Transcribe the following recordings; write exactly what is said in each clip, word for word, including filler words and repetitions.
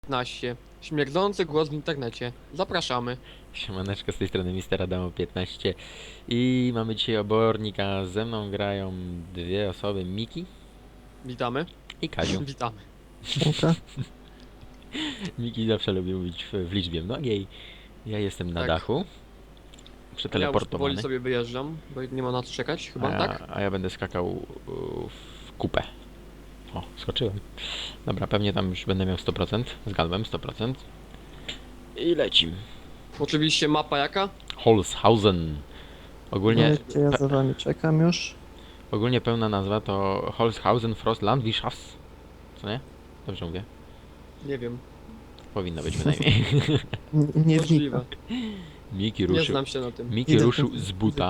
piętnaście. Śmierdzący głos w internecie. Zapraszamy. Siemaneczko, z tej strony mister Adamo piętnaście i mamy dzisiaj obornika. Ze mną grają dwie osoby, Miki Witamy. i Kaziu. Witamy. Siemka. Miki zawsze lubi mówić w, w liczbie mnogiej. Ja jestem na Tak. dachu, Ja już przeteleportowany, powoli sobie wyjeżdżam, bo nie ma na co czekać, chyba, a, ja, tak? a ja będę skakał u, w kupę. O, skoczyłem. Dobra, pewnie tam już będę miał sto procent. Zgadłem, sto procent. I lecim. Oczywiście mapa jaka? Holzhausen. Ogólnie, Wiecie, ja za wami czekam już. ogólnie pełna nazwa to Holzhausen Frostlandwirtschafts. Co nie? Dobrze mówię. Nie wiem. Powinno być bynajmniej. N nie Możliwe. wnikam. Miki Nie ruszył, znam się na tym. Miki Idę ruszył w- z buta.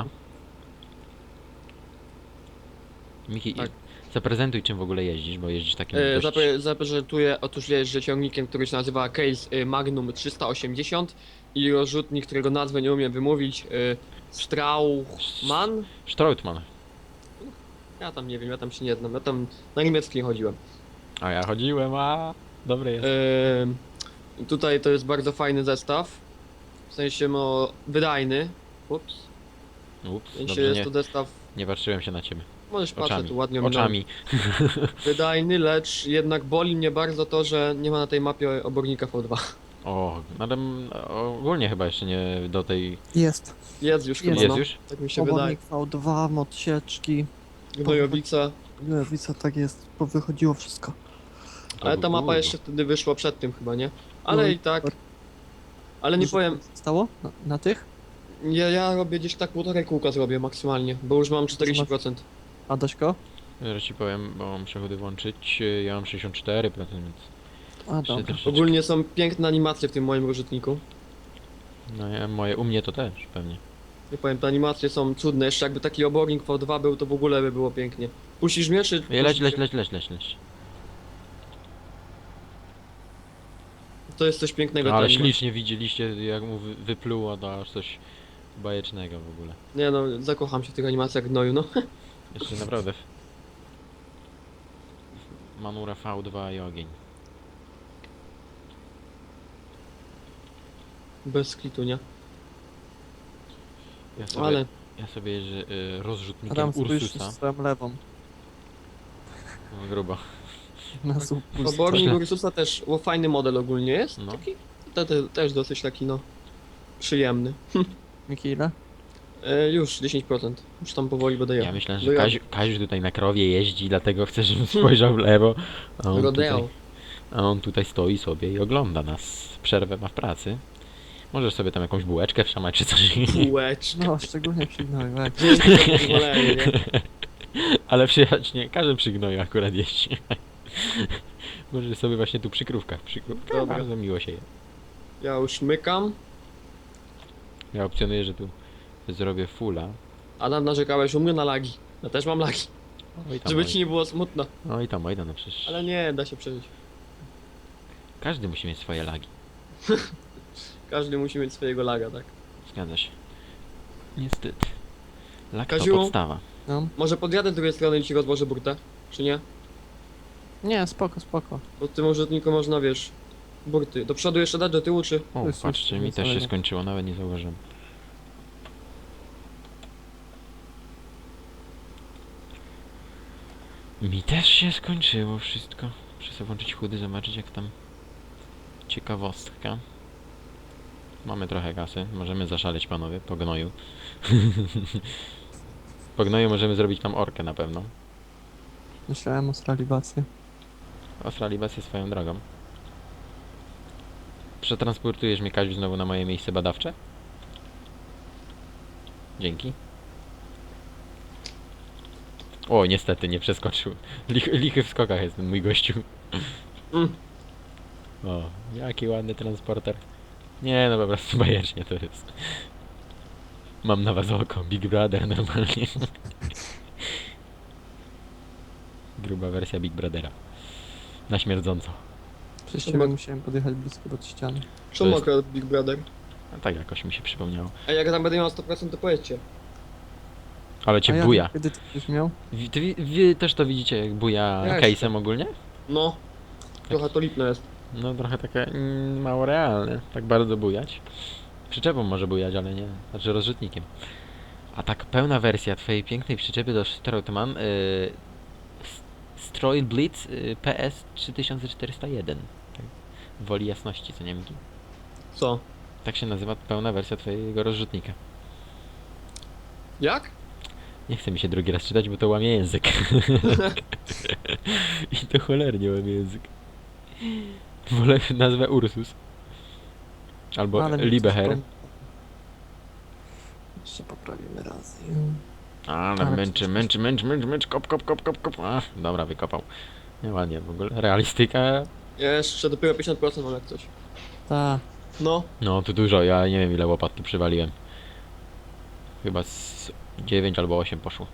Miki, Tak. zaprezentuj czym w ogóle jeździsz, bo jeździsz takim E, dość... zapre zaprezentuję, otóż jeżdżę ciągnikiem, który się nazywa Case y, Magnum trzysta osiemdziesiąt i rozrzutnik, którego nazwę nie umiem wymówić, y, Strauchmann? Stroutman. Ja tam nie wiem, ja tam się nie znam, ja tam na niemiecki nie chodziłem. A ja chodziłem, a dobre jest. Yy, tutaj to jest bardzo fajny zestaw. W sensie no wydajny. Ups. Ups, W sensie dobrze, jest nie, to zestaw. nie patrzyłem się na ciebie. Możesz patrzeć Oczami, tu ładnie oczami. ominąłem. Wydajny, lecz jednak boli mnie bardzo to, że nie ma na tej mapie obornika V dwa. O, no ale m, ogólnie chyba jeszcze nie do tej... Jest. Jest już Jest. chyba, Jest no. już? Tak mi się wydaje. Obornik V dwa, mod sieczki. Gnojowica. Lewica, tak jest. Powychodziło wszystko. Ale ta mapa Kurwa. jeszcze wtedy wyszła przed tym chyba, nie? Ale No i i tak. super. Ale nie Dużo powiem, Stało? Na, na tych? ja, ja robię gdzieś tak półtorej kółka zrobię maksymalnie, bo już mam czterdzieści procent. A Daśko? Zaraz ci powiem, bo mam przechody włączyć. Ja mam sześćdziesiąt cztery procent, więc... A jeszcze dobra. troszeczkę. Ogólnie są piękne animacje w tym moim rozrzutniku. No ja, moje, u mnie to też pewnie. Nie powiem, te animacje są cudne. Jeszcze jakby taki obornik V dwa był, to w ogóle by było pięknie. Puścisz mnie, czy... Ej, Leć, leć, leć, leć, leć, leć. To jest coś pięknego. Ale ta animacja. ślicznie widzieliście, jak mu wy- wypluło, to aż coś bajecznego w ogóle. Nie no, zakocham się w tych animacjach gnoju, no. Jeszcze naprawdę. w- Manura V dwa i ogień. Bez klitu, nie? Ja sobie, Ale ja sobie jeżdżę y, rozrzutnikiem Adam, spójrz Ursusa. swoją lewą. No, grubo. Na słup pusty. obornik Źle. Ursusa też, bo fajny model ogólnie jest. No. Taki, te, te, też dosyć taki, no, przyjemny. Miki, ile? E, już dziesięć procent. Już tam powoli będę Ja jechał. myślę, że Dojadę. Kaziu, Kaziu tutaj na krowie jeździ, dlatego chcę, żebym spojrzał w lewo. A on, tutaj, Rodeo. a on tutaj stoi sobie i ogląda nas. Przerwę ma w pracy. Możesz sobie tam jakąś bułeczkę wszamać czy coś. Kółeczka. No, szczególnie przy gnojach. Dzięki za pozwolenie, nie? Ale przyjaźnie, każdy przy gnoju akurat jeździ. Może sobie właśnie tu przy krówkach. Przy krówkach Dobra. bardzo miło się je. Ja już mykam. Ja opcjonuję, że tu zrobię fulla. Adam, narzekałeś u mnie na lagi. Ja też mam lagi. Oj tam, Żeby oj. ci nie było smutno. Oj tam, oj tam, no przecież Ale nie, da się przeżyć. każdy musi mieć swoje lagi. Każdy musi mieć swojego laga, tak? Zgadza się. Niestety. Lag Kaziu? to podstawa. No. Może podjadę z drugiej strony i ci rozłożę burtę? Czy nie? Nie, spoko, spoko. Bo w tym użytniku można, wiesz, burty. Do przodu jeszcze dać, do tyłu, czy... O, To jest patrzcie, już mi też się wcale nie. skończyło, nawet nie zauważyłem. Mi też się skończyło wszystko. Muszę sobie włączyć chudy, zobaczyć jak tam... Ciekawostka. Mamy trochę kasy, możemy zaszaleć panowie, po gnoju. Po gnoju możemy zrobić tam orkę na pewno. Myślałem o stralibację. Australibację swoją drogą. Przetransportujesz mnie, Kaziu, znowu na moje miejsce badawcze? Dzięki. O, niestety, nie przeskoczył. Lich, lichy w skokach jest ten mój gościu. Mm. O, jaki ładny transporter. Nie, no po prostu bajecznie to jest. Mam na was oko, Big Brother normalnie. Gruba wersja Big Brothera. Na śmierdząco. Przez To ciebie ma- musiałem podjechać blisko do ściany. Czemu jest- akurat Big Brother? A tak jakoś mi się przypomniało. A jak tam będę miał sto procent, to powiedzcie. Ale A cię ja, buja. kiedy ty już miał? Wy, ty, wi- wy też to widzicie, jak buja Ja case'em ogólnie? No. Trochę to lipne jest. No trochę takie mm, mało realne, tak bardzo bujać. Przyczepą może bujać, ale nie, znaczy rozrzutnikiem. A tak pełna wersja twojej pięknej przyczepy do Strautmann yy, S- Stroil Blitz yy, P S trzy tysiące czterysta jeden. Tak, woli jasności, co nie Miki? Co? Tak się nazywa pełna wersja twojego rozrzutnika. Jak? Nie chce mi się drugi raz czytać, bo to łamie język. I to cholernie łamie język. Wolę nazwę Ursus. Albo Ale mi coś Liebeherr. pom- Jeszcze poprawimy raz. Ale Ale męczy, coś- męczy, męczy, męczy, męczy, kop, kop, kop, kop, kop. Ach, dobra, wykopał. Nie ładnie w ogóle. Realistyka. Jeszcze dopiero pięćdziesiąt procent mam jak coś. Ta, No. No, tu dużo, ja nie wiem ile łopat tu przywaliłem. Chyba z dziewięć albo osiem poszło.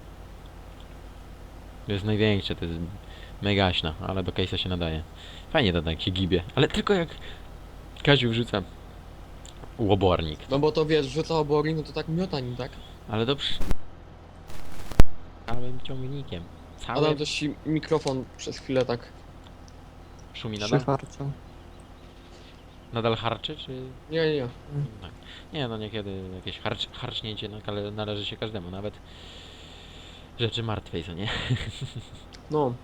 To jest największe, to jest megaśna, ale do case'a się nadaje. Fajnie to tak się gibie, ale tylko jak Kaziu wrzuca łobornik. No bo to wiesz, rzuca obory, no to tak miota nim, tak? Ale dobrze. Całym ciągnikiem. Całym Adam też ci mikrofon przez chwilę tak. szumi nadal? przyfarczą. Nadal harczy, czy... Nie, nie, nie. Tak. Nie, no niekiedy jakieś harcz, harcznięcie nale- należy się każdemu, nawet rzeczy martwej, co nie? No.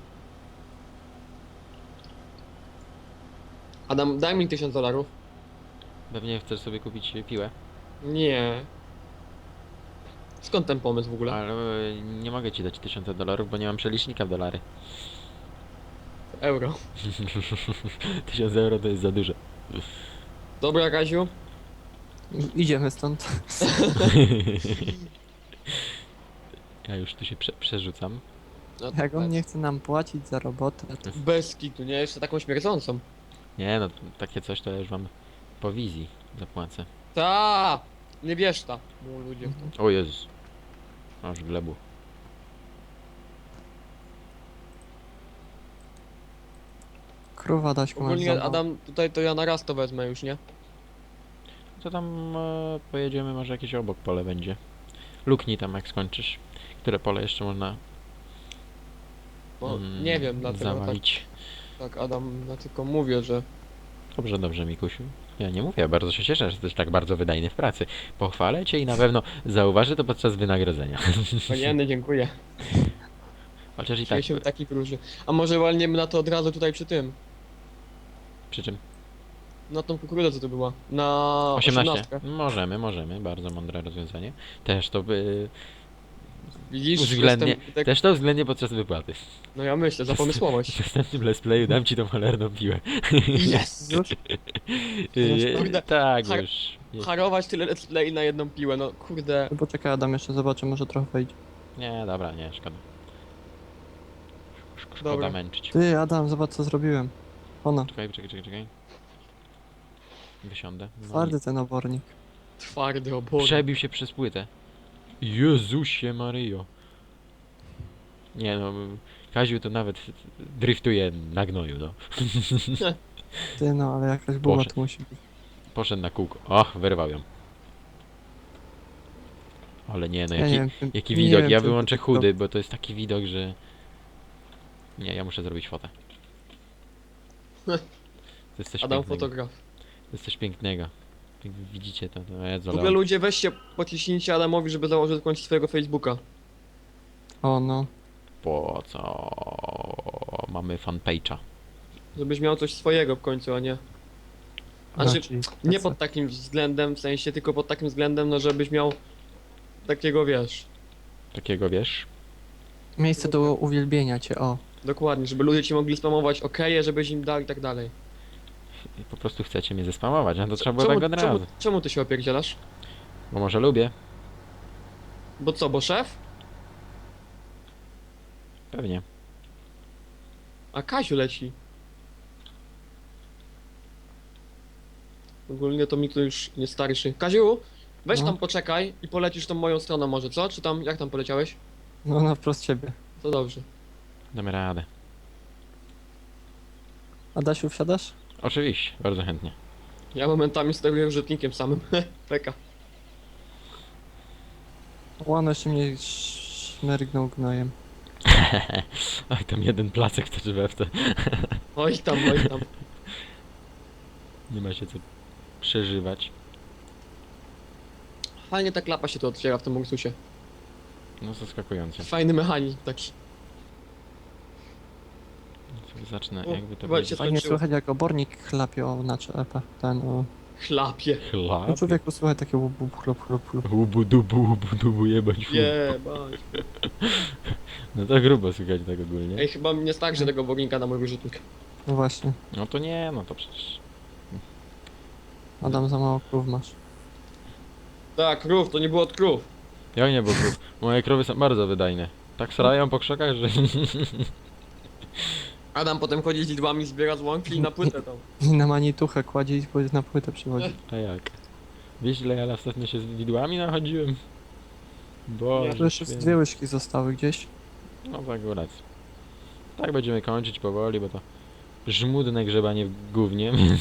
Adam, daj mi tysiąc dolarów. Pewnie chcesz sobie kupić piłę, Nie. Skąd ten pomysł w ogóle? ale e, nie mogę ci dać tysiąca dolarów, bo nie mam przelicznika w dolary. Euro. Tysiąc euro to jest za dużo. Dobra, Kaziu. Idziemy stąd. Ja już tu się prze przerzucam. No, Jak on nie chce nam płacić za robotę, to Bez kitu, nie? Jeszcze taką śmierdzącą. Nie no, takie coś to ja już wam po wizji zapłacę. Ta! Nie bierz ta. Mu ludzie w to. O Jezus. Aż glebu. krówa Daśku masz Ogólnie za Adam, tutaj to ja na raz to wezmę już, nie? To tam e, pojedziemy, może jakieś obok pole będzie. Luknij tam jak skończysz. Które pole jeszcze można Bo mm, nie wiem, dlatego tak, zawalić. tak Adam, ja tylko mówię, że Dobrze, dobrze Mikusiu. Ja nie mówię, bardzo się cieszę, że jesteś tak bardzo wydajny w pracy. Pochwalę cię i na pewno zauważy to podczas wynagrodzenia. Panienny, dziękuję. Chociaż i Czuję tak, się taki różny. A może walniemy na to od razu tutaj przy tym? przy czym? Na tą kukurydzę co to była? Na osiemnaście. osiemnastkę. Możemy, możemy, bardzo mądre rozwiązanie. Też to by... Widzisz, Uwzględnię, jestem tak, też to uwzględnię podczas wypłaty. no ja myślę, za pomysłowość. W następnym let's playu dam ci tą cholerną piłę. Yes! Już? Yy, kurde, tak, har- już. Jest. Harować tyle let's play na jedną piłę, no kurde. No poczekaj Adam, jeszcze zobaczę, może trochę wejdzie. Nie, dobra, nie, szkoda. Sz- Szkoda Dobra. męczyć. Ty Adam, zobacz co zrobiłem. Ona, Czekaj, czekaj, czekaj, czekaj. Wysiądę. No twardy ten obornik. Twardy i obór. przebił się przez płytę. Jezusie Maryjo. Nie no, Kaziu to nawet driftuje na gnoju, no. Ty no, ale jakaś buła Boże. tu musi być. Poszedł na kółko. Och, wyrwał ją. Ale nie, no Ja jaki, nie wiem, czym- jaki nie widok. wiem, Ja czym wyłączę to- chudy, bo to jest taki widok, że... Nie, ja muszę zrobić fotę. To jest coś Adam pięknego. fotograf. To jest coś pięknego. Jak widzicie to, to ja W ogóle ludzie weźcie, pociśnijcie Adamowi, żeby założył w końcu swojego Facebooka. O no. Po co mamy fanpage'a? Żebyś miał coś swojego w końcu, a nie. Znaczy, raczej nie tacy. pod takim względem, w sensie tylko pod takim względem, no żebyś miał takiego, wiesz, Takiego wiesz? Miejsce do uwielbienia cię, o. dokładnie, żeby ludzie ci mogli spamować okeje, żebyś im dał i tak dalej. I po prostu chcecie mnie zespamować, a to trzeba było czemu, tak od czemu, razu. czemu ty się opierdzielasz? Bo może lubię. Bo co, bo szef? Pewnie. A Kaziu leci. Ogólnie to mi to już nie starszy. Kaziu, weź No. tam poczekaj i polecisz tą moją stronę może, co? Czy tam, jak tam poleciałeś? No na wprost ciebie. To dobrze. Damy radę. Adasiu, wsiadasz? Oczywiście, bardzo chętnie. Ja momentami steruję rzutnikiem samym. Peka. Łano jeszcze mnie szmergnął gnojem. Oj, tam jeden placek to w te. Oj tam, oj tam. Nie ma się co przeżywać. Fajnie ta klapa się to otwiera w tym Ursusie. No zaskakujące. Fajny mechanizm taki. Sobie zacznę, O, jakby to chyba będzie. się Fajnie skończyło. słychać jak obornik chlapie o na czepę. Ten o... Chlapie. Chlap. No człowieku słuchaj takie łup, łup, chlop, chlop, chlop. Łubu dubu, łubu dubu, jebać fu. Jebać. No to grubo słychać tak ogólnie. Ej, chyba nie starczy tego obornika na mój wyrzutnik. No właśnie. No to nie, no to przecież... Adam, za mało krów masz. Tak, krów, to nie było od krów. Jak nie, bo krów. Moje krowy są bardzo wydajne. Tak srają po krzakach, że... Adam potem chodzi z lidłami, zbiera z łąki i na płytę tam. I na manituchę kładzie i powiedz na płytę przychodzi. A jak? Wiesz ile ja ostatnio się z widłami nachodziłem? Boże Tu jeszcze z święty. dwie łyżki zostały gdzieś. No tak, rację. Tak będziemy kończyć powoli, bo to żmudne grzebanie w gównie, więc...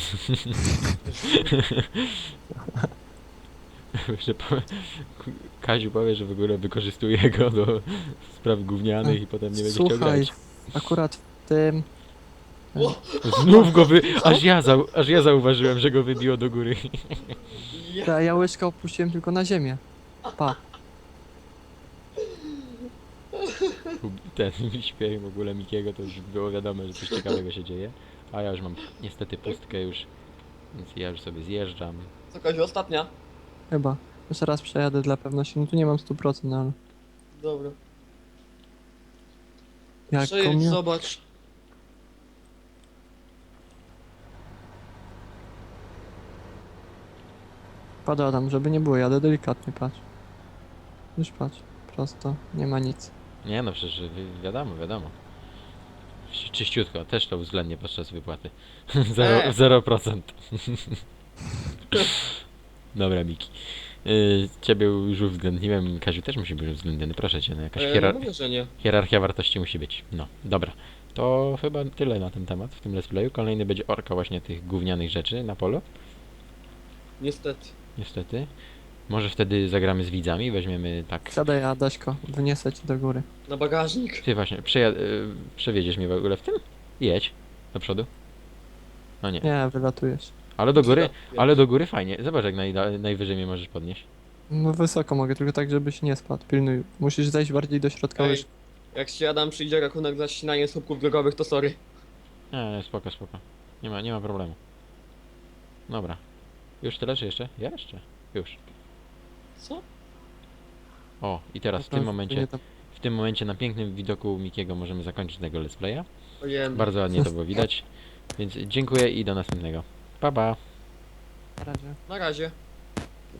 Jeszcze powie... Kaziu powie, że w ogóle wykorzystuje go do spraw gównianych i potem nie będzie chciał Słuchaj, grać. akurat w tym... O, Znów go wy... Aż ja, zau... Aż ja zauważyłem, że go wybiło do góry. ja. Ta ja łyżkę opuściłem tylko na ziemię. Pa. Ten śpiew w ogóle Mikiego to już było wiadomo, że coś ciekawego się dzieje. A ja już mam niestety pustkę już, więc ja już sobie zjeżdżam. Co, Kaziu, ostatnia? Chyba. Jeszcze raz przejadę dla pewności. No tu nie mam stu procent, ale... Dobra. Jak Przejedź, komio... zobacz. Pada Adam, żeby nie było, jadę delikatnie, patrz. Już patrz. Prosto. Nie ma nic. Nie no, przecież wi- wiadomo, wiadomo. Czy- Czyściutko, też to uwzględnię podczas wypłaty. E. Zero procent. Dobra, Miki. Yy, ciebie już uwzględniłem, Kaziu też musi być uwzględniony, proszę cię, no jakaś E, hierar no mówię, że nie. hierarchia wartości musi być. No, dobra. To chyba tyle na ten temat w tym let's playu. Kolejny będzie orka właśnie tych gównianych rzeczy na polu, Niestety. niestety. Może wtedy zagramy z widzami, weźmiemy tak... Siadaj, Adaśko. Wniosę cię do góry. Na bagażnik. Ty właśnie, przeja- y, przewiedziesz mnie w ogóle w tym? Jedź. Do przodu. No nie. Nie, wylatujesz. Ale do góry, Przyda- ale do góry fajnie. Zobacz jak naj, najwyżej mnie możesz podnieść. No wysoko mogę, tylko tak, żebyś nie spadł. Pilnuj. Musisz zejść bardziej do środka Ej, łyżki. jak się Adam przyjdzie rachunek za ścinanie słupków drogowych, to sorry. Nie, nie, spoko, spoko. Nie ma, nie ma problemu. Dobra. Już tyle, czy jeszcze? Jeszcze. Już. Co? O, i teraz w tym momencie, w tym momencie na pięknym widoku Mikiego możemy zakończyć tego let's playa. Ojej. Bardzo ładnie to było widać. Więc dziękuję i do następnego. Pa, pa. Na razie. Na razie.